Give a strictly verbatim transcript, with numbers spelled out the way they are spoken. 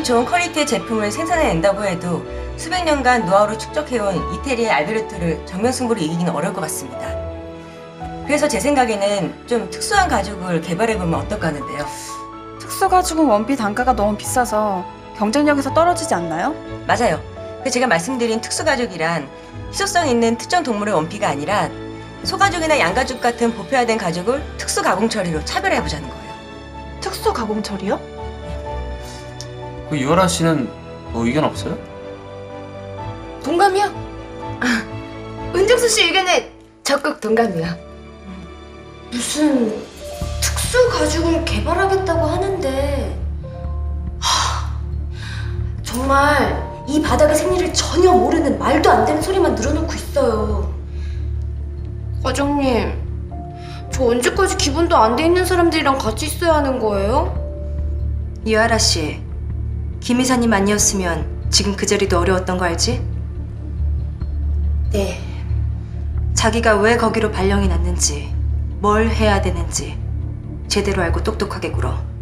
좋은 퀄리티의 제품을 생산해낸다고 해도 수백 년간 노하우를 축적해온 이태리의 알베르토를 정면승부로 이기기는 어려울 것 같습니다. 그래서 제 생각에는 좀 특수한 가죽을 개발해보면 어떨까 하는데요. 특수 가죽은 원피 단가가 너무 비싸서 경쟁력에서 떨어지지 않나요? 맞아요. 그 제가 말씀드린 특수 가죽이란 희소성 있는 특정 동물의 원피가 아니라 소가죽이나 양가죽 같은 보편화된 가죽을 특수 가공 처리로 차별해보자는 거예요. 특수 가공 처리요? 그 유아라 씨는 뭐 의견 없어요? 동감이요? 아, 은정수 씨 의견에 적극 동감이요. 무슨 특수 가죽을 개발하겠다고 하는데 하, 정말 이 바닥의 생리를 전혀 모르는 말도 안 되는 소리만 늘어놓고 있어요. 과장님, 저 언제까지 기분도 안 돼 있는 사람들이랑 같이 있어야 하는 거예요? 유아라 씨, 김 이사님 아니었으면 지금 그 자리도 어려웠던 거 알지? 네. 자기가 왜 거기로 발령이 났는지, 뭘 해야 되는지 제대로 알고 똑똑하게 굴어.